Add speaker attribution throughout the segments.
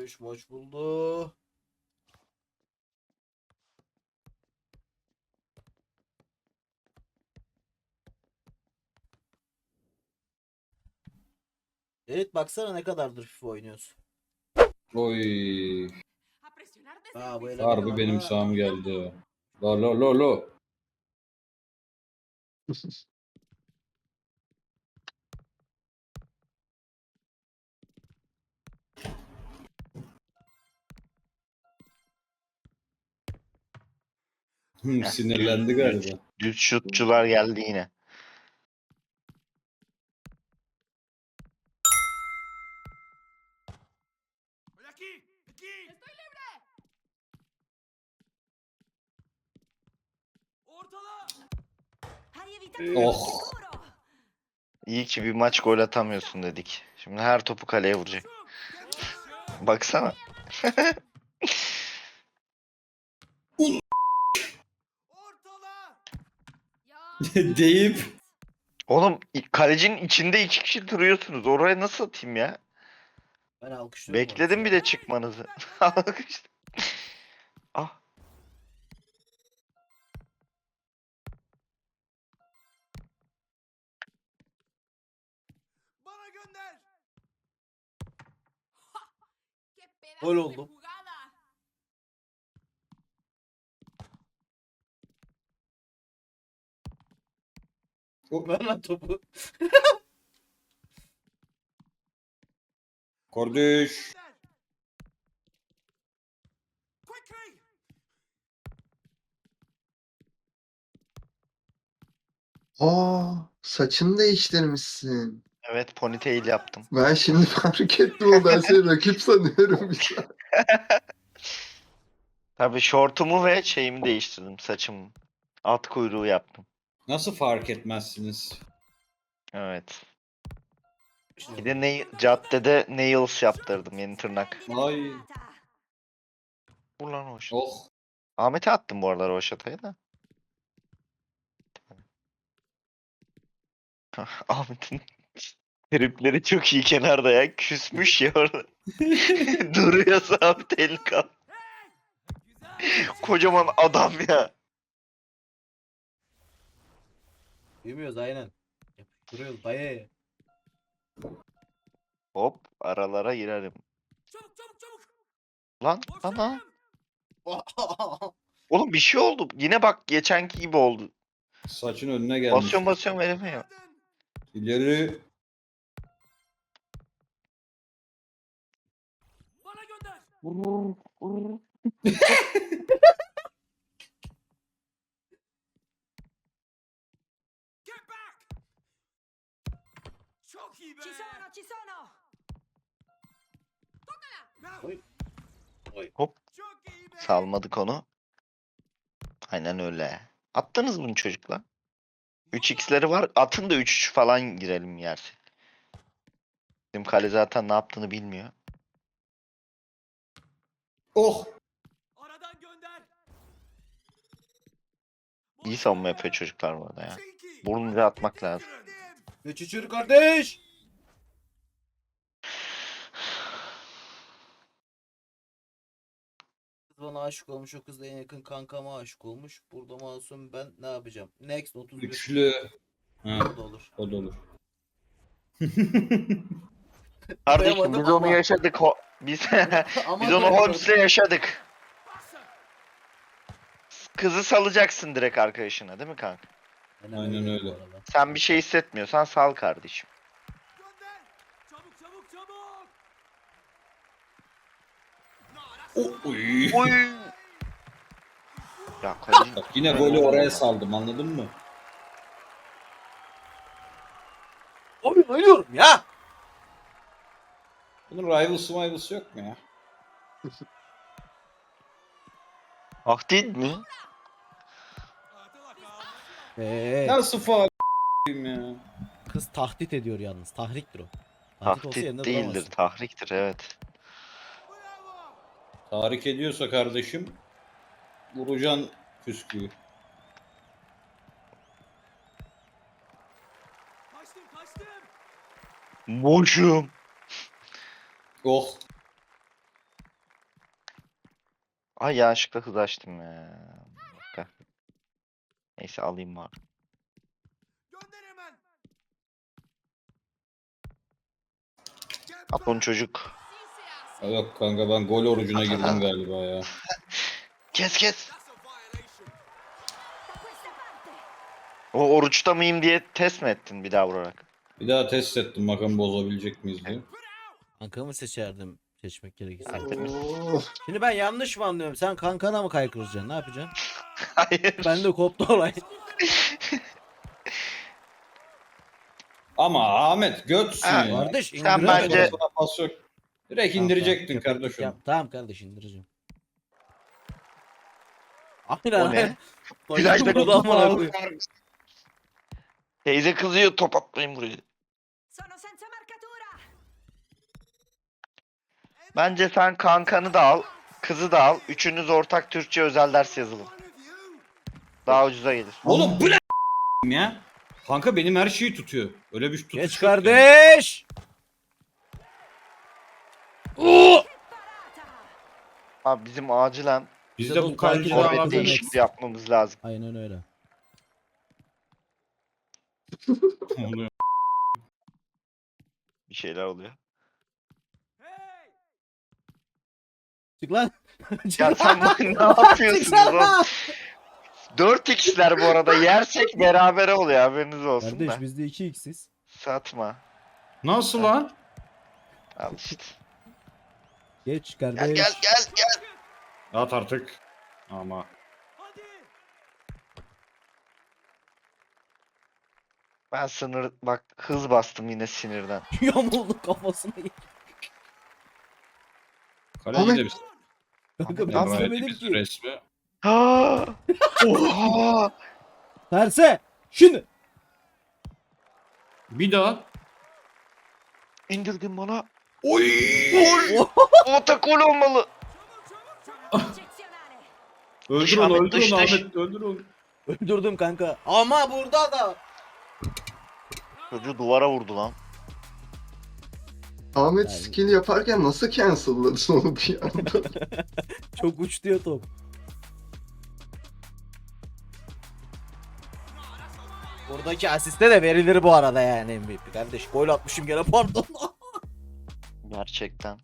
Speaker 1: Kardeş maç buldu. Evet baksana ne kadardır FIFA oynuyorsun.
Speaker 2: Oy.
Speaker 1: Aa bu
Speaker 2: Harbi benim
Speaker 1: elemanlarla
Speaker 2: sağım geldi. Lo lo lo lo.
Speaker 3: Heh,
Speaker 2: Sinirlendi galiba.
Speaker 3: Düz şutçular geldi yine.
Speaker 2: Oh.
Speaker 3: İyi ki bir maç gol atamıyorsun dedik. Şimdi her topu kaleye vuracak. Baksana.
Speaker 2: Deyip
Speaker 3: Oğlum kalecinin içinde iki kişi duruyorsunuz. Oraya nasıl atayım ya?
Speaker 1: ben alkışlıyorum orası
Speaker 3: Bekledim
Speaker 1: ya.
Speaker 3: bir de çıkmanızı. Alkışladım. Ah.
Speaker 1: Gol oldum. Ver lan topu.
Speaker 2: kardeş.
Speaker 4: Aa, saçını değiştirmişsin.
Speaker 3: Evet, ponytail yaptım.
Speaker 4: Ben şimdi fark ettim o, ben seni rakip sanıyorum bir saat.
Speaker 3: Tabii şortumu ve şeyimi değiştirdim, saçımı. At kuyruğu yaptım.
Speaker 2: Nasıl fark etmezsiniz?
Speaker 3: Evet.
Speaker 1: Şimdi
Speaker 3: Bir de caddede nails yaptırdım, yeni tırnak.
Speaker 2: Ay.
Speaker 3: Vur lan hoş.
Speaker 2: Oh.
Speaker 3: Ahmet'e attım bu aralar o şatayı da. Ahmet'in tripleri çok iyi kenarda ya. Küsmüş ya orada. Duruyor sabit el kal. Kocaman adam ya.
Speaker 1: Yemiyoruz aynen. Yapıştırıyoruz dayı.
Speaker 3: Hop aralara girerim. Lan ana. Oğlum bir şey oldu. Yine bak geçenki gibi oldu.
Speaker 2: Saçın önüne gelmiş.
Speaker 3: Basıyorum veremiyor.
Speaker 2: İleri.
Speaker 3: Hop salmadık onu. Aynen öyle. Attınız bunu çocuklar. 3x'leri var. Atın da 3 falan girelim yerse. Bizim kale zaten ne yaptığını bilmiyor.
Speaker 2: Oh.
Speaker 3: İyi savunma yapıyor çocuklar bu arada ya. Burnunu atmak lazım.
Speaker 1: Geçişir kardeş. Kız bana aşık olmuş, o kız da en yakın kankama aşık olmuş. Burada masum, ben ne yapacağım? Next 31.
Speaker 2: Üçlü. Ha,
Speaker 1: O da olur.
Speaker 2: o da olur.
Speaker 3: Kardeşim
Speaker 1: Koyamadım
Speaker 3: biz onu
Speaker 1: ama.
Speaker 3: yaşadık. Biz
Speaker 1: Ama
Speaker 3: biz onu
Speaker 1: koyamadım.
Speaker 3: Holmes'le yaşadık. Kızı salacaksın direkt arkadaşına değil mi kanka?
Speaker 2: Aynen öyle.
Speaker 1: bu arada.
Speaker 3: Sen bir şey hissetmiyorsan sal kardeşim.
Speaker 2: Oy.
Speaker 3: Oy! Ya kaleci...
Speaker 2: Bak yine golü oraya saldım, anladın mı?
Speaker 1: Oyun oynuyorum ya.
Speaker 2: Bunun rivals yok mu ya?
Speaker 3: Ah değil mi?
Speaker 2: Nasıl faal ya?
Speaker 1: Kız tahdit ediyor yalnız. Tahriktir o. Tahdit olsa yerinde
Speaker 3: Tahdit değildir,
Speaker 1: duramazsın.
Speaker 3: tahriktir evet.
Speaker 2: Tahrik ediyorsa kardeşim vuracaksın püsküyü.
Speaker 3: Boşum.
Speaker 2: Oh.
Speaker 3: Ay yanlışlıkla hız açtım ya. Bir dakika. Neyse alayım bari. Apon çocuk.
Speaker 2: Yok kanka ben gol orucuna girdim galiba ya.
Speaker 3: Kes kes. O oruçta mıyım diye test mi ettin bir daha vurarak?
Speaker 2: Bir daha test ettim bakalım bozabilecek miyiz diye.
Speaker 1: Kankamı seçerdim seçmek gerekirse.
Speaker 3: Tertemiz.
Speaker 4: Oo.
Speaker 1: Şimdi ben yanlış mı anlıyorum? Sen kankana mı kaykıracaksın? Ne yapacaksın?
Speaker 3: Hayır.
Speaker 1: Ben de koptu olay.
Speaker 2: Ama Ahmet götsün
Speaker 3: Ha,
Speaker 2: ya.
Speaker 1: Kardeş
Speaker 3: Sen
Speaker 1: indiremedin.
Speaker 3: bence-
Speaker 2: Sana pas yok. Direkt
Speaker 1: Tamam,
Speaker 2: indirecektin
Speaker 1: tamam.
Speaker 2: kardeşim.
Speaker 1: Yap, tamam kardeş indireceğim. Aynen
Speaker 3: O ne?
Speaker 1: aynen.
Speaker 3: Plajda
Speaker 1: Burada
Speaker 3: kapı
Speaker 1: ama
Speaker 3: var.
Speaker 1: abi.
Speaker 3: Teyze kızıyor top atmayın buraya.
Speaker 5: Sono senza marcatura.
Speaker 3: Bence sen kankanı da al, kızı da al. Üçünüz ortak Türkçe özel ders yazılın. Daha ucuza gelir.
Speaker 2: Oğlum bu ne ya? Kanka benim her şeyi tutuyor. Öyle bir tutuş
Speaker 1: Geç
Speaker 2: yok yani.
Speaker 1: kardeş. Oo!
Speaker 3: Abi bizim acilen
Speaker 2: Biz
Speaker 1: Bize
Speaker 2: de
Speaker 1: de
Speaker 2: bu
Speaker 1: bu
Speaker 2: kaleci
Speaker 1: kaleci
Speaker 3: forvet
Speaker 1: Forvet
Speaker 3: değişikliği yapmamız lazım.
Speaker 1: Aynen öyle.
Speaker 2: oluyor.
Speaker 3: Bir şeyler oluyor.
Speaker 1: Çık lan. Çık
Speaker 3: Ya
Speaker 1: lan.
Speaker 3: sen ne yapıyorsunuz
Speaker 1: Çıksana.
Speaker 3: oğlum? 4x'ler bu arada yersek berabere oluyor haberiniz olsun
Speaker 1: Kardeş
Speaker 3: da.
Speaker 1: biz de 2x'iz.
Speaker 3: Satma.
Speaker 2: Nasıl lan?
Speaker 3: Al işte.
Speaker 1: Geç
Speaker 3: Gel
Speaker 1: kardeş.
Speaker 3: gel gel gel.
Speaker 2: At artık. Ama.
Speaker 3: Ben sınır bak hız bastım yine sinirden.
Speaker 1: Yamuldu kafasına.
Speaker 2: Kaleci
Speaker 4: Ahmet.
Speaker 2: de bir
Speaker 1: Kanka
Speaker 3: Ahmet,
Speaker 1: ben
Speaker 3: Ahmet,
Speaker 1: istemedim
Speaker 2: bir
Speaker 1: ki.
Speaker 2: resmi.
Speaker 3: Ha! Oha!
Speaker 1: Terse. Şimdi.
Speaker 2: Bir daha.
Speaker 3: İndirdin bana.
Speaker 2: Oy!
Speaker 1: Oh.
Speaker 3: Otakol olmalı.
Speaker 5: Eccezionale.
Speaker 2: Öldür
Speaker 3: Ahmet,
Speaker 2: onu, öldür
Speaker 3: dış,
Speaker 2: onu
Speaker 3: dış.
Speaker 2: Ahmet, öldür onu.
Speaker 1: Öldürdüm kanka. Ama burada da.
Speaker 3: Çocuğu duvara vurdu lan.
Speaker 4: Ahmet
Speaker 1: Yani-
Speaker 4: skill yaparken nasıl cancel'ladın onu bir anda?
Speaker 1: Çok uçtu ya top. Buradaki asiste de verilir bu arada yani MVP kardeş. Gol atmışım gene pardon.
Speaker 3: Gerçekten.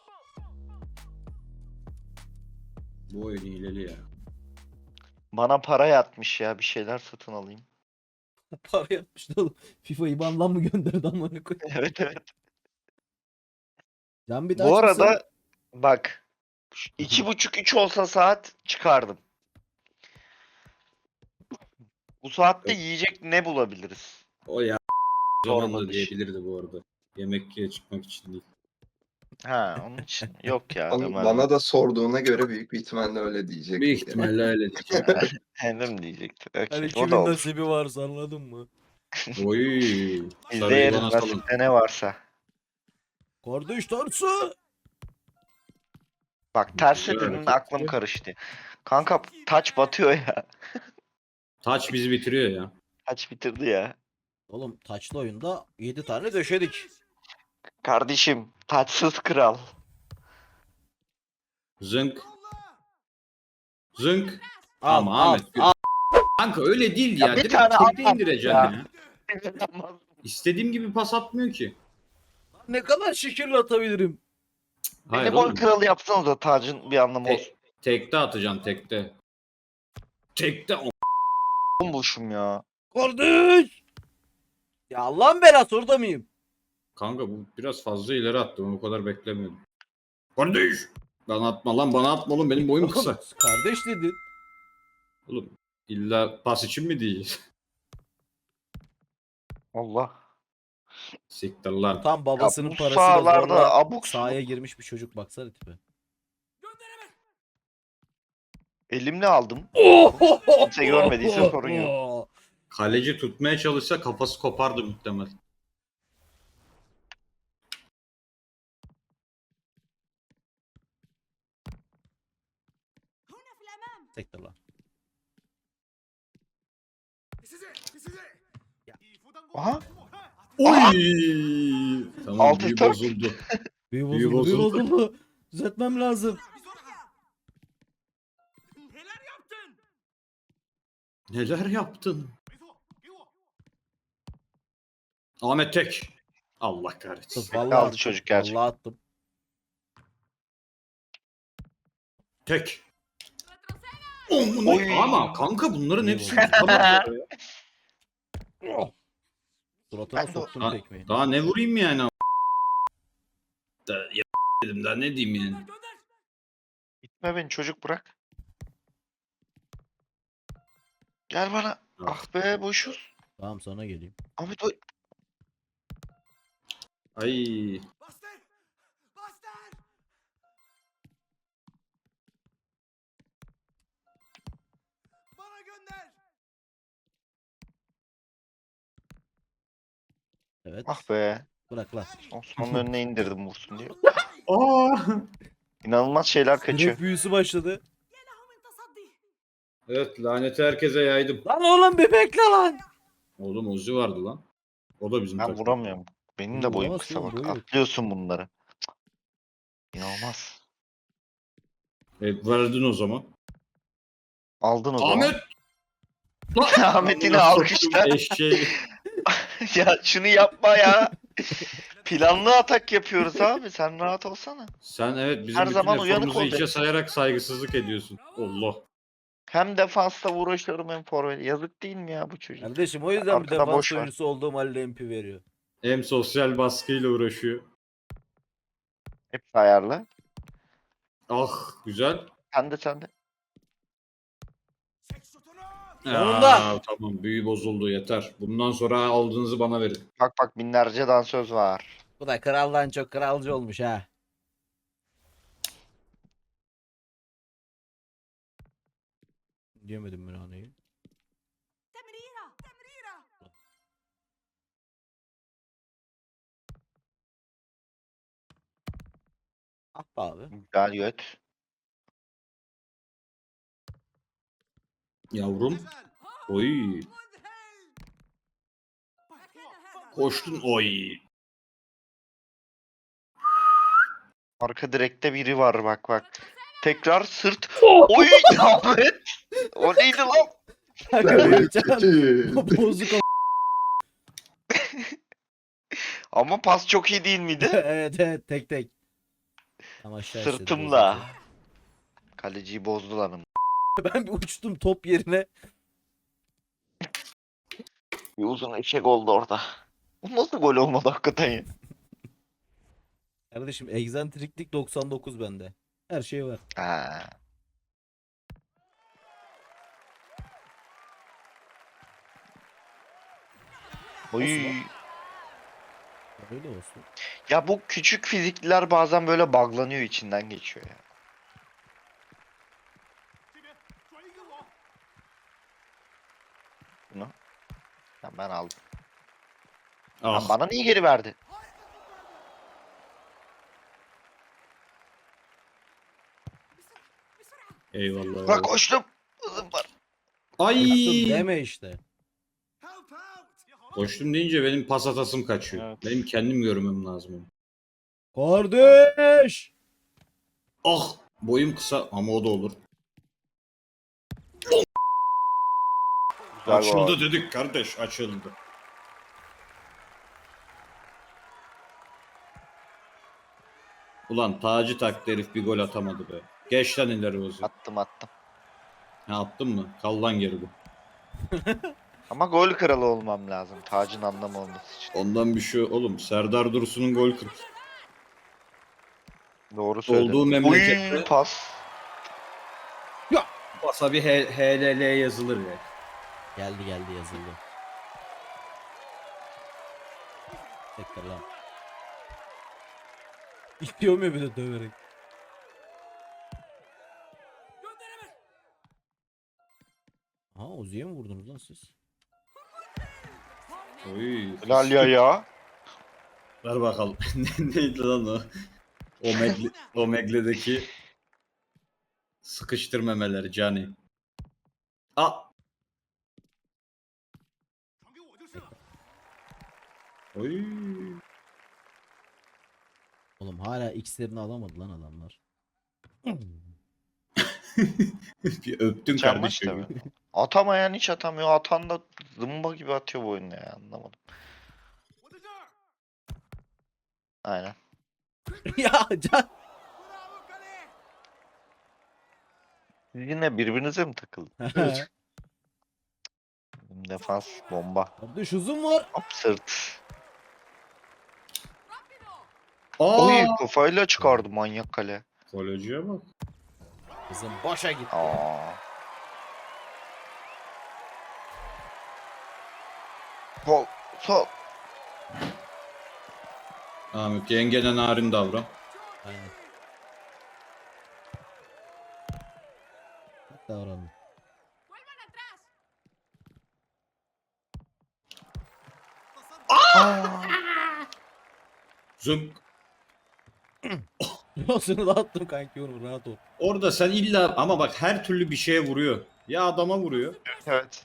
Speaker 2: Bu oyun hileli ya.
Speaker 3: Bana para yatmış ya bir şeyler satın alayım.
Speaker 1: Para yapmıştı oğlum. FIFA IBAN'dan mı gönderdi amına koyayım?
Speaker 3: Evet evet.
Speaker 1: Can bir daha
Speaker 3: Bu
Speaker 1: çıksa-
Speaker 3: arada bak 2,5-3 olsa saat çıkardım. Bu saatte yiyecek ne bulabiliriz?
Speaker 2: O ya zaman
Speaker 3: Sorma
Speaker 2: da
Speaker 3: dışı.
Speaker 2: diyebilirdi bu arada. Yemek çıkmak için değil.
Speaker 3: Ha onun için yok ya.
Speaker 4: Bana da sorduğuna göre büyük bir ihtimalle öyle diyecek.
Speaker 2: Büyük ihtimalle öyle diyeceğim.
Speaker 3: Hendim diyecekti.
Speaker 1: Hani
Speaker 3: Okey, o
Speaker 1: kimin
Speaker 3: da olur.
Speaker 1: nasibi varsa anladın mı?
Speaker 2: Oy.
Speaker 3: Biz de
Speaker 2: Sarıyı
Speaker 3: yeriz
Speaker 2: bana salın.
Speaker 3: nasipte ne varsa.
Speaker 1: Kardeş tersi.
Speaker 3: Bak ters
Speaker 2: Güzel
Speaker 3: dedin
Speaker 2: hareket
Speaker 3: aklım
Speaker 2: ya.
Speaker 3: karıştı. Kanka taç batıyor ya.
Speaker 2: Taç bizi bitiriyor ya.
Speaker 3: Taç bitirdi ya.
Speaker 1: Oğlum taçlı oyunda 7 tane döşedik.
Speaker 3: Kardeşim taçsız kral.
Speaker 2: Zınk. Zınk.
Speaker 1: Al,
Speaker 2: Ama
Speaker 1: al,
Speaker 2: Ahmet.
Speaker 1: al.
Speaker 2: Kanka öyle değil
Speaker 3: Ya
Speaker 2: ya.
Speaker 3: bir
Speaker 2: Direkt
Speaker 3: tane
Speaker 2: tekte
Speaker 3: at
Speaker 2: indireceksin
Speaker 3: ya.
Speaker 2: ya. İstediğim gibi pas atmıyor ki.
Speaker 1: Ne kadar şekilli atabilirim.
Speaker 2: Hayır
Speaker 3: Beni gol
Speaker 2: oğlum.
Speaker 3: kralı yapsanız da tacın bir anlamı
Speaker 2: Te-
Speaker 3: olsun.
Speaker 2: Tekte atacaksın tekte. Tekte
Speaker 3: Bombuşum ya.
Speaker 1: Kardeş. Ya Allah'ın belası orada mıyım?
Speaker 2: Kanka bu biraz fazla ileri attım. Ben o kadar beklemiyordum. Kardeş. Bana atma lan bana atma oğlum benim boyum kısa.
Speaker 1: Kardeş dedin.
Speaker 2: Oğlum illa pas için mi değil?
Speaker 3: Allah.
Speaker 2: Siktir lan.
Speaker 1: Tam babasının
Speaker 3: Ya bu
Speaker 1: parasıyla
Speaker 3: sahalarda
Speaker 1: zorla
Speaker 3: abuk
Speaker 1: sahaya
Speaker 3: subuk.
Speaker 1: girmiş bir çocuk baksana tipe.
Speaker 3: Elimle aldım. Kimse görmediyse sorun yok.
Speaker 2: Kaleci tutmaya çalışsa kafası kopardı muhtemelen.
Speaker 5: Una flamam.
Speaker 1: Sektir lan.
Speaker 3: Aha.
Speaker 2: Oy! Tamam
Speaker 3: Altı
Speaker 2: büyü
Speaker 3: dört.
Speaker 2: bozuldu.
Speaker 1: Büyü
Speaker 2: Büyü
Speaker 1: bozuldu, büyü
Speaker 2: bozuldu.
Speaker 1: bozuldu. Düzeltmem lazım.
Speaker 2: Neler yaptın? Ahmet tek. Allah kahretsin.
Speaker 3: Aldı
Speaker 1: Vallahi attım.
Speaker 3: çocuk gerçekten.
Speaker 1: Vallahi attım.
Speaker 2: Tek.
Speaker 3: Oy.
Speaker 2: Ama kanka bunların
Speaker 1: İyi
Speaker 2: hepsini
Speaker 1: vurdu.
Speaker 2: tutamaz ya.
Speaker 1: Suratına
Speaker 3: Ben de-
Speaker 1: soktum
Speaker 2: Daha,
Speaker 1: tekmeyi.
Speaker 2: daha ne vurayım yani? Dedim daha ne diyeyim yani?
Speaker 3: Gitme beni çocuk bırak. Gel bana. Ah be boşuz.
Speaker 1: Tamam sana geleyim.
Speaker 3: Ahmet oy.
Speaker 2: Ay.
Speaker 1: Evet.
Speaker 3: Ah be.
Speaker 1: Bırak lan.
Speaker 3: Osman'ın önüne indirdim vursun diye.
Speaker 2: Aa.
Speaker 3: İnanılmaz şeyler kaçıyor.
Speaker 1: Direkt büyüsü başladı.
Speaker 5: يلهم تصدي.
Speaker 2: Evet laneti herkese yaydım.
Speaker 1: Lan oğlum bir bekle lan.
Speaker 2: Oğlum Ozi vardı lan. O da bizim
Speaker 3: Ben
Speaker 2: takım.
Speaker 3: vuramıyorum. Benim de boyum
Speaker 1: Vuramazsın
Speaker 3: kısa
Speaker 1: oğlum,
Speaker 3: bak.
Speaker 1: boyu yok.
Speaker 3: Atlıyorsun bunları. Cık. İnanılmaz.
Speaker 2: Verdin o zaman.
Speaker 3: Aldın o zaman.
Speaker 2: Ahmet!
Speaker 3: Ahmet yine alkışlar.
Speaker 2: Eşeği.
Speaker 3: Ya şunu yapma ya. Planlı atak yapıyoruz abi. Sen rahat olsana.
Speaker 2: Sen evet bizim
Speaker 3: Her
Speaker 2: bütün
Speaker 3: zaman uyanık
Speaker 2: eforumuzu hiçe
Speaker 3: olacaksın.
Speaker 2: sayarak saygısızlık ediyorsun. Allah.
Speaker 3: Hem defansta uğraşıyorum hem forvet. Yazık değil mi ya bu çocuk?
Speaker 1: Kardeşim o yüzden bir
Speaker 3: Arkada
Speaker 1: defans
Speaker 3: boş ver.
Speaker 1: oyuncusu olduğum halde MP veriyor.
Speaker 2: Hem sosyal baskıyla uğraşıyor.
Speaker 3: Hep ayarla.
Speaker 2: Ah güzel.
Speaker 3: Sen de.
Speaker 1: Sonunda.
Speaker 2: Tamam büyü bozuldu yeter. Bundan sonra aldığınızı bana verin.
Speaker 3: Bak binlerce dansöz var.
Speaker 1: Bu da kraldan çok kralcı olmuş ha. Diyemedim ben anayı.
Speaker 5: تمريرة تمريرة.
Speaker 1: Ah be abi.
Speaker 3: Güzel göt.
Speaker 2: Yavrum. Oy. Koştun. Oy.
Speaker 3: Arka direkte biri var bak. Tekrar sırt. Oy Ahmet. O neydi lan?
Speaker 1: Bozuk o.
Speaker 3: Ama pas çok iyi değil miydi?
Speaker 1: Evet tek. Ama aşağı istedi,
Speaker 3: Sırtımla.
Speaker 1: bozuldu.
Speaker 3: Kaleciyi bozdular onu.
Speaker 1: Ben bir uçtum top yerine.
Speaker 3: Bir uzun eşek oldu orada. Bu nasıl gol olmadı hakikaten ya?
Speaker 1: Kardeşim egzantriklik 99 bende. Her şey var.
Speaker 3: Ha. Oy.
Speaker 1: Öyle olsun.
Speaker 3: Ya bu küçük fizikliler bazen böyle buglanıyor içinden geçiyor ya. Bunu. Ya ben aldım. Lan
Speaker 2: Ah.
Speaker 3: bana niye geri verdi?
Speaker 2: Eyvallah.
Speaker 3: Bak koştum. Hızım var.
Speaker 2: Ay.
Speaker 1: Koştum deme işte.
Speaker 2: Koştum deyince benim pas atasım kaçıyor.
Speaker 3: Evet.
Speaker 2: Benim kendim görmem lazım.
Speaker 1: Kardeş.
Speaker 2: Ah. Boyum kısa ama o da olur.
Speaker 3: Güzel
Speaker 2: Açıldı
Speaker 3: gol.
Speaker 2: dedik kardeş açıldı. Ulan Taci taktı herif bir gol atamadı be. Geç lan ileri Ozi.
Speaker 3: Attım.
Speaker 2: Ha attın mı? Kal lan geri bu.
Speaker 3: Ama gol kralı olmam lazım. Tacın anlamı olması için.
Speaker 2: Ondan bir şey oğlum. Serdar Dursun'un gol kır.
Speaker 3: Doğru söyledin.
Speaker 2: Olduğu memlekette-
Speaker 3: Uy, pas.
Speaker 2: Basa bir HLL yazılır ya.
Speaker 1: Geldi yazıldı. Tekrar lan. İstiyor mu bir de döverek? Ha Ozi'ye mi vurdunuz lan siz?
Speaker 2: Oy.
Speaker 3: Helal ya.
Speaker 2: Ver bakalım. Neydi lan o? Omegle'deki sıkıştırmemeleri Cani. Oy.
Speaker 1: Oğlum hala X'lerini alamadı lan adamlar.
Speaker 2: Bir öptün
Speaker 3: Canmaç
Speaker 2: kardeşim.
Speaker 3: tabii. Atamayan hiç atamıyor. Atan da zımba gibi atıyor bu oyunda ya. Anlamadım. Aynen.
Speaker 1: Ya Can.
Speaker 3: Siz yine birbirinize mi takıldınız? Defans bomba.
Speaker 1: Kardeş uzun var.
Speaker 3: Hop sırt. Oy
Speaker 2: Aa!
Speaker 3: kafayla çıkardı manyak kale.
Speaker 2: Kaleciye bak.
Speaker 1: Kızım boşa gitti.
Speaker 3: Aa. Sol. Sol.
Speaker 2: Ahmet yengene narin davran.
Speaker 1: Aynen. Davranın.
Speaker 2: Zınk.
Speaker 1: Yosunu da attım kanki onu rahat ol.
Speaker 2: Orada sen illa ama bak her türlü bir şeye vuruyor. Ya adama vuruyor.
Speaker 3: Evet.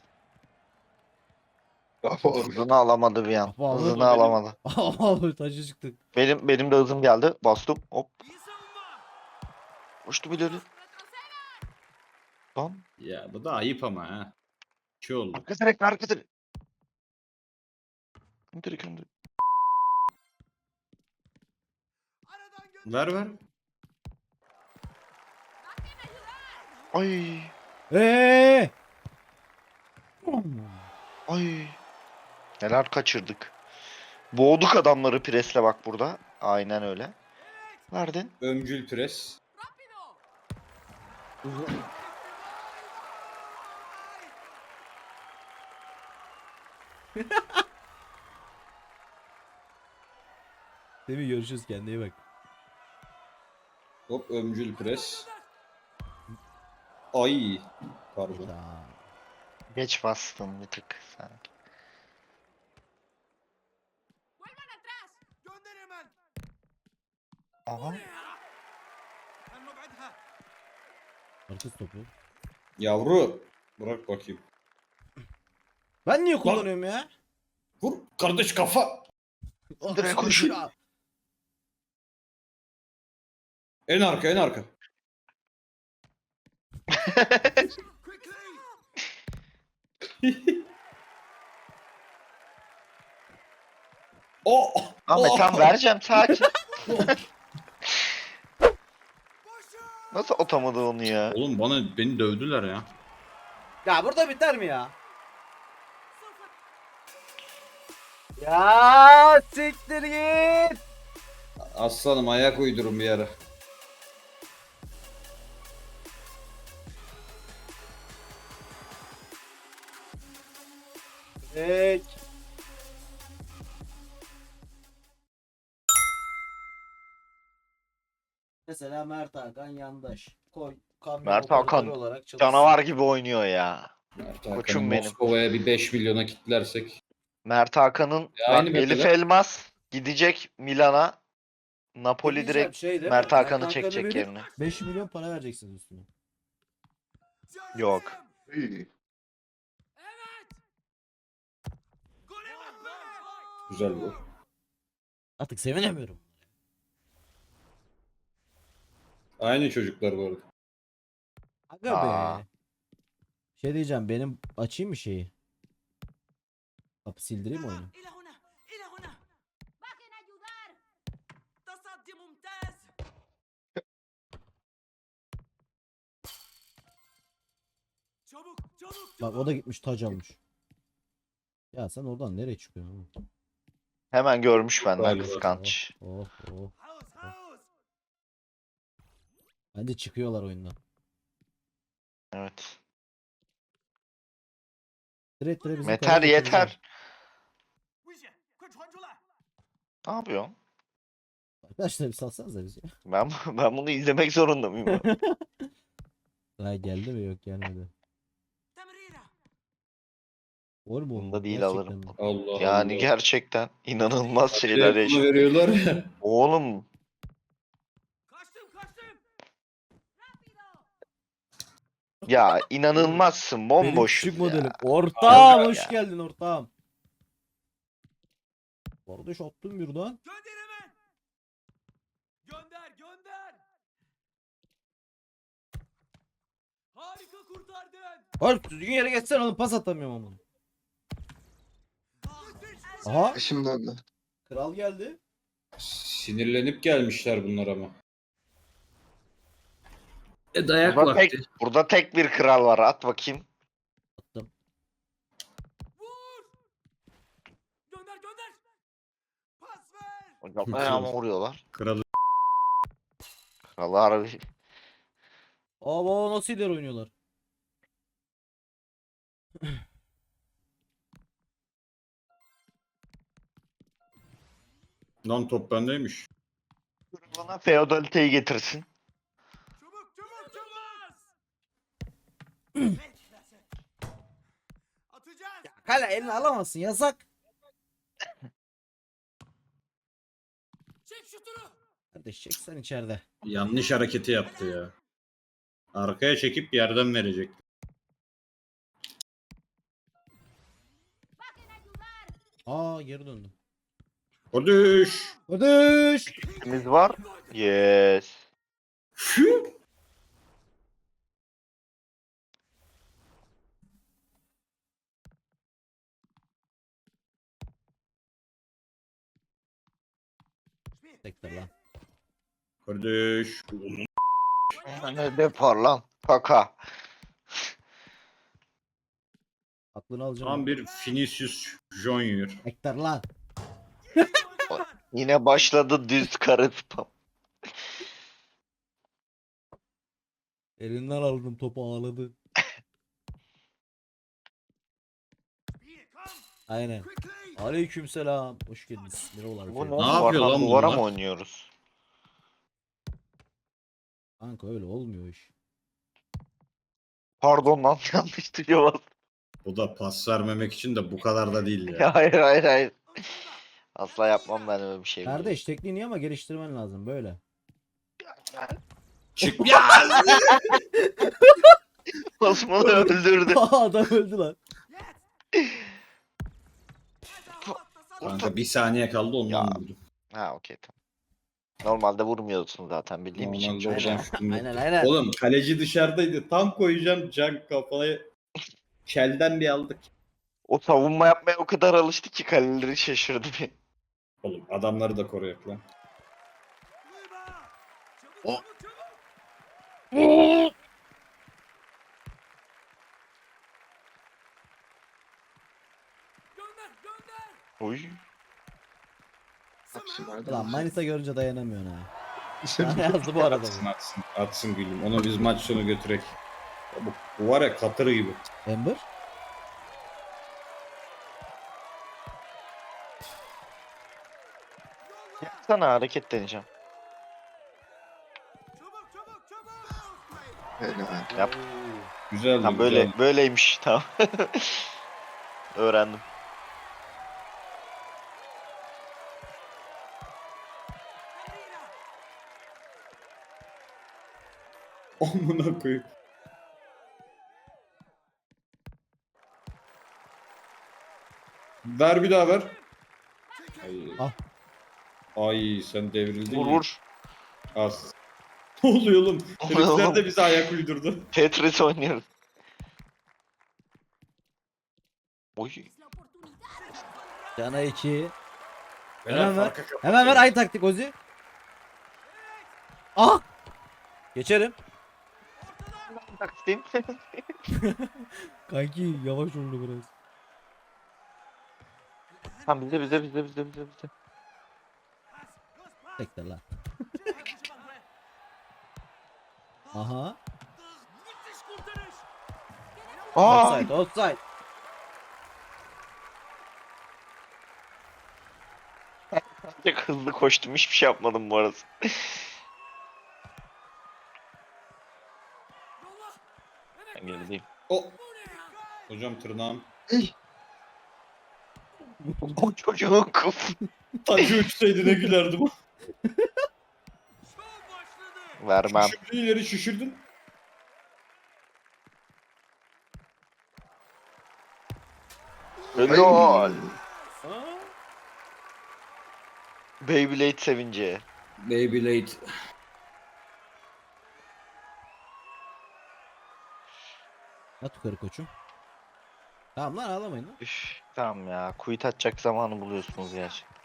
Speaker 4: Kafa orada.
Speaker 3: Hızını alamadı bir an.
Speaker 1: Kafa aldı.
Speaker 3: Hızını alamadı.
Speaker 1: Abi taşı çıktı.
Speaker 3: Benim de hızım geldi. Bastım. Hop. Uçtu bir dedi. Lan.
Speaker 2: Ya bu da ayıp ama ha. Şey oldu.
Speaker 3: Arka direk arka direk. Direk direk.
Speaker 2: Ver ver.
Speaker 3: Ay.
Speaker 1: Eee.
Speaker 3: Ay. Neler kaçırdık. Boğduk adamları presle bak burada. Aynen öyle. Verdin.
Speaker 2: Ömcül pres.
Speaker 1: Değil mi? Görüşürüz, kendine iyi bak.
Speaker 2: Hop ömcül pres. Ay. Pardon.
Speaker 1: Hayda.
Speaker 3: Geç bastın bir tık sanki. Aha.
Speaker 1: Arkası topu.
Speaker 2: Yavru. Bırak bakayım.
Speaker 1: Ben niye kullanıyorum ya?
Speaker 2: Vur kardeş kafa.
Speaker 3: Direkt koşun.
Speaker 2: En arka en arka. Oh.
Speaker 3: Ahmet tam vereceğim sakin. Nasıl atamadı onu ya?
Speaker 2: Oğlum beni dövdüler ya.
Speaker 1: Ya burada biter mi ya? Ya siktir git.
Speaker 2: Aslanım ayak uydurun bir ara.
Speaker 1: Peki. Mesela Mert Hakan yandaş. Koy. Kamyon
Speaker 3: Mert Hakan
Speaker 1: operatörü olarak çalışsın.
Speaker 3: Canavar gibi oynuyor ya.
Speaker 2: Mert
Speaker 3: Koçum
Speaker 2: Hakan'ı
Speaker 3: benim.
Speaker 2: Moskova'ya bir 5 milyona kitlersek.
Speaker 3: Mert Hakan'ın
Speaker 2: Ya
Speaker 3: bak,
Speaker 2: aynı
Speaker 3: Elif
Speaker 2: mesela.
Speaker 3: Elmas gidecek Milan'a. Napoli
Speaker 1: Diyeceğim
Speaker 3: direkt
Speaker 1: şey değil mi?
Speaker 3: Mert Hakan'ı
Speaker 1: Hakan'ı
Speaker 3: çekecek
Speaker 1: verip
Speaker 3: yerine.
Speaker 1: 5 milyon para vereceksiniz üstüne.
Speaker 3: Yok.
Speaker 4: İyi.
Speaker 2: Güzel bu.
Speaker 1: Artık sevinemiyorum.
Speaker 2: Aynı çocuklar bu arada.
Speaker 1: Aga
Speaker 3: Aa.
Speaker 1: be. Şey diyeceğim, benim açayım mı şeyi? Kapı sildireyim mi oyunu?
Speaker 5: إلى هنا إلى هنا باقي ayudar. تصدي ممتاز. çabuk çabuk
Speaker 1: Bak o da gitmiş taç almış. Ya sen oradan nereye çıkıyorsun oğlum?
Speaker 3: Hemen görmüş benden
Speaker 2: Galiba.
Speaker 3: kıskanç.
Speaker 1: Oh oh.
Speaker 5: Haus haus.
Speaker 1: Bence çıkıyorlar oyundan.
Speaker 3: Evet.
Speaker 1: Direkt bizim
Speaker 3: Yeter
Speaker 1: kaleye getireceğim.
Speaker 3: yeter.
Speaker 5: 危险，快传出来！
Speaker 3: Ne yapıyorsun?
Speaker 1: Arkadaşlar bir salsanıza bizi.
Speaker 3: Ben bunu izlemek zorunda mıyım? ya?
Speaker 1: Ha geldi mi, yok gelmedi.
Speaker 5: تمريرة.
Speaker 1: Olur mu?
Speaker 3: Bunda değil
Speaker 1: Gerçekten
Speaker 3: alırım.
Speaker 1: mi?
Speaker 2: Allah
Speaker 3: Yani
Speaker 2: Allah.
Speaker 3: gerçekten inanılmaz şeyler
Speaker 2: Telefonu
Speaker 3: yaşıyor.
Speaker 2: veriyorlar ya.
Speaker 3: Oğlum
Speaker 5: Kaçtım kaçtım.
Speaker 3: ya inanılmazsın
Speaker 1: Benim
Speaker 3: bomboşuz
Speaker 1: küçük
Speaker 3: ya.
Speaker 1: modelim. Ortağım
Speaker 3: Ya.
Speaker 1: hoş geldin ortağım. Kardeş attım birden.
Speaker 5: Gönder hemen. Gönder gönder.
Speaker 1: Oğlum düzgün yere geçsene oğlum, pas atamıyorum ama. Aha,
Speaker 4: Şimdi oldu.
Speaker 1: kral geldi.
Speaker 2: Sinirlenip gelmişler bunlar ama. Dayak
Speaker 3: Burada
Speaker 2: vakti.
Speaker 3: burada tek bir kral var. At bakayım.
Speaker 1: Attım.
Speaker 5: Gönder gönder. Pas ver.
Speaker 3: Hocam ayağıma vuruyorlar.
Speaker 2: Kralı.
Speaker 3: Kralı harbi.
Speaker 1: Aa baba nasıl ileri oynuyorlar.
Speaker 2: Lan top bendeymiş.
Speaker 3: Bana feodaliteyi getirsin.
Speaker 5: Çabuk çabuk çabuk. Atacağız.
Speaker 1: Kale elini alamazsın, yasak.
Speaker 5: Çek şutunu.
Speaker 1: Kardeş çek sen içeride.
Speaker 2: Yanlış hareketi yaptı ya. Arkaya çekip yerden verecek.
Speaker 1: Aa geri döndüm.
Speaker 2: Kardeş.
Speaker 1: Kardeş.
Speaker 3: Biz var. Yes.
Speaker 2: Şu.
Speaker 1: Tekrar lan.
Speaker 2: Kardeş.
Speaker 3: Ne depar lan. Kaka.
Speaker 1: Aklını alacağım.
Speaker 2: Tam bir Vinicius Junior.
Speaker 1: Tekrar lan.
Speaker 3: Yine başladı düz karı spam.
Speaker 1: Elinden aldım topu, ağladı. Aynen. Aleykümselam. Hoş geldiniz. Merhabalar.
Speaker 3: Bu ne?
Speaker 1: efendim.
Speaker 2: Ne yapıyor
Speaker 3: Duvardan
Speaker 2: lan
Speaker 3: duvara
Speaker 2: bunlar?
Speaker 3: mı oynuyoruz?
Speaker 1: Kanka öyle olmuyor iş.
Speaker 3: Pardon lan yanlış tuşa bastım.
Speaker 2: Bu da pas vermemek için de bu kadar da değil ya.
Speaker 3: Hayır hayır hayır. Asla yapmam ben öyle bir şey.
Speaker 1: Kardeş tekniğini ama geliştirmen lazım böyle.
Speaker 2: Çık ya.
Speaker 3: Osman'ı öldürdü.
Speaker 1: Adam öldü lan.
Speaker 2: Kanka bir saniye kaldı ondan
Speaker 3: Ya.
Speaker 2: vurdum.
Speaker 3: Ha okey tamam. Normalde vurmuyorsun zaten bildiğim için.
Speaker 2: Normalde
Speaker 3: çok
Speaker 2: oradan
Speaker 3: şey.
Speaker 2: şutum yok.
Speaker 1: Aynen aynen.
Speaker 2: Oğlum kaleci dışarıdaydı. Tam koyacağım can kafaya. Kelden bir aldık.
Speaker 3: O savunma yapmaya o kadar alıştı ki kaleleri şaşırdı bir.
Speaker 2: Oğlum adamları da koruyak lan.
Speaker 5: Çabuk
Speaker 2: O-
Speaker 5: çabuk çabuk. Gönder gönder.
Speaker 3: Uy.
Speaker 4: Hapsi nerede?
Speaker 1: Ulan Manisa görünce dayanamıyorsun ha. Sana yazdı bu arada.
Speaker 2: Atsın atsın. Atsın gülüm. Onu biz maç sonu götürek. Ya bu var ya katır gibi.
Speaker 1: Ember.
Speaker 3: Sana hareket deneyeceğim.
Speaker 5: Çabuk çabuk çabuk.
Speaker 4: Helal.
Speaker 3: Yap.
Speaker 2: Güzeldi.
Speaker 3: Tam böyle
Speaker 2: güzeldi.
Speaker 3: böyleymiş tamam. Öğrendim.
Speaker 2: Amına koyayım. Ver bir daha ver. Ay,
Speaker 1: Al.
Speaker 2: Ay sen devrildin
Speaker 3: Vur
Speaker 2: ya.
Speaker 3: vur.
Speaker 2: Az. Ne oluyor oğlum?
Speaker 3: oluyor
Speaker 2: Herifler
Speaker 3: oğlum?
Speaker 2: de bize ayak uydurdu.
Speaker 3: Tetris oynuyoruz. Oy.
Speaker 5: Es la oportunidad.
Speaker 1: Cana 2.
Speaker 2: Beyler,
Speaker 1: Hemen ver.
Speaker 2: farka kapat.
Speaker 1: Hemen ver aynı taktik Ozi. Ah! Geçerim.
Speaker 3: Taksim.
Speaker 1: Kanki yavaş oldu biraz.
Speaker 3: Tamam bize.
Speaker 1: Tekrar lan. Aha.
Speaker 5: Müthiş kurtarış.
Speaker 3: Aa!
Speaker 1: Offside, offside.
Speaker 3: Çok hızlı koştum hiçbir şey yapmadım bu arada.
Speaker 5: Yolla. Evet.
Speaker 3: Ben gerideyim.
Speaker 2: O.
Speaker 5: Bu ne ya?
Speaker 2: Hocam tırnağım.
Speaker 3: O çocuğun kafı.
Speaker 2: Tacı uçsaydı ne gülerdim.
Speaker 5: Şov başladı.
Speaker 3: Vermem.
Speaker 2: Şişirdin ileri şişirdin.
Speaker 3: Helal. Beyblade sevinci.
Speaker 2: Beyblade.
Speaker 1: At yukarı koçum. Tamam lan ağlamayın lan.
Speaker 3: Üf, tamam ya. Kuyut atacak zamanı buluyorsunuz gerçekten.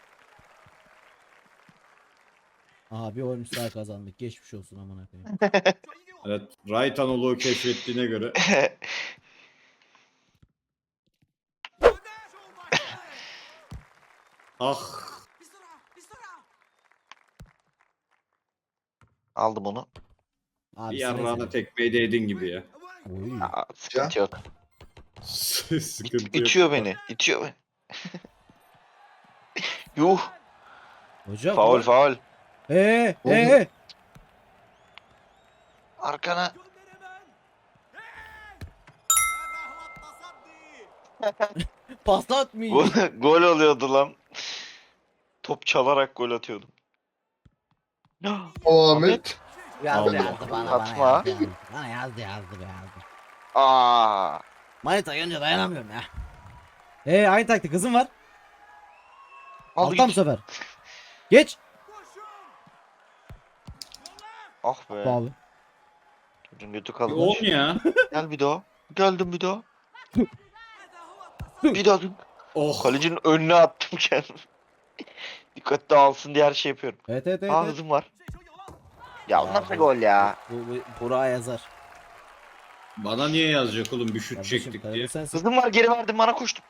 Speaker 1: Aha bir oyun daha kazandık. Geçmiş olsun amına koyayım.
Speaker 2: Evet. Right Anadolu'yu keşfettiğine göre. Ah.
Speaker 3: Aldım onu.
Speaker 1: Abi
Speaker 2: Bir yarrağına
Speaker 1: sene.
Speaker 2: tekmeyi değdin gibi ya.
Speaker 1: Oy.
Speaker 3: Aa, sıkıntı yok.
Speaker 2: Sıkıntı yok.
Speaker 3: İtiyor beni. İtiyor beni. Yuh.
Speaker 1: Hocam.
Speaker 3: Faul faul.
Speaker 1: Ee.
Speaker 3: Arkana.
Speaker 1: Pas atmayın.
Speaker 3: Gol oluyordu lan. Top çalarak gol atıyordum.
Speaker 4: O Ahmet.
Speaker 1: Yazdı
Speaker 2: Allah.
Speaker 1: yazdı bana
Speaker 3: Atma.
Speaker 1: yazdı. Bana yazdı be yazdı.
Speaker 3: Aa.
Speaker 1: Manita görünce dayanamıyorum ya. Aynı taktik kızım var.
Speaker 3: Al
Speaker 1: Alttan bu
Speaker 3: git.
Speaker 1: sefer. Geç.
Speaker 3: Ah be.
Speaker 1: Abi.
Speaker 3: Çocuğun götü
Speaker 2: Bir
Speaker 3: kalmış.
Speaker 2: 10 ya.
Speaker 3: Gel bir daha. Geldim bir daha. Bir daha.
Speaker 2: Oh.
Speaker 3: Kalecinin önüne attım kendimi. Dikkatli alsın diye her şey yapıyorum.
Speaker 1: Evet.
Speaker 3: Aa hızım var. Ya o nasıl gol ya?
Speaker 1: Bu Burak'a yazar.
Speaker 2: Bana niye yazacak oğlum bir şut
Speaker 1: Kardeşim
Speaker 2: çektik
Speaker 1: kaleci
Speaker 2: diye.
Speaker 1: sensin.
Speaker 3: Hızım var geri verdim bana koştum.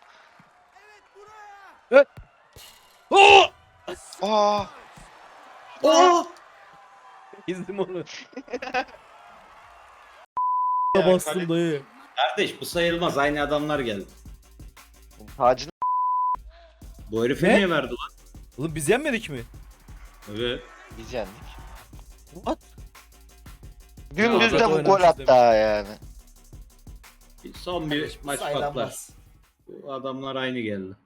Speaker 1: Oo!
Speaker 3: Aa.
Speaker 2: Oh!
Speaker 1: İzledim onu.
Speaker 2: Ya,
Speaker 1: Bastım
Speaker 2: kale-
Speaker 1: dayı.
Speaker 2: Kardeş bu sayılmaz. Aynı adamlar geldi.
Speaker 3: Tacını
Speaker 2: Bu herife
Speaker 1: Ne?
Speaker 2: niye verdi lan?
Speaker 1: Oğlum biz yenmedik mi?
Speaker 2: Evet.
Speaker 3: biz yendik.
Speaker 1: What?
Speaker 3: Dümdüz
Speaker 1: Ya,
Speaker 3: de bu
Speaker 1: zaten
Speaker 3: gol
Speaker 1: oynamışız
Speaker 3: hatta yani.
Speaker 2: Son bir maç patlar.
Speaker 1: Saylanmaz.
Speaker 2: Bu adamlar aynı geldi.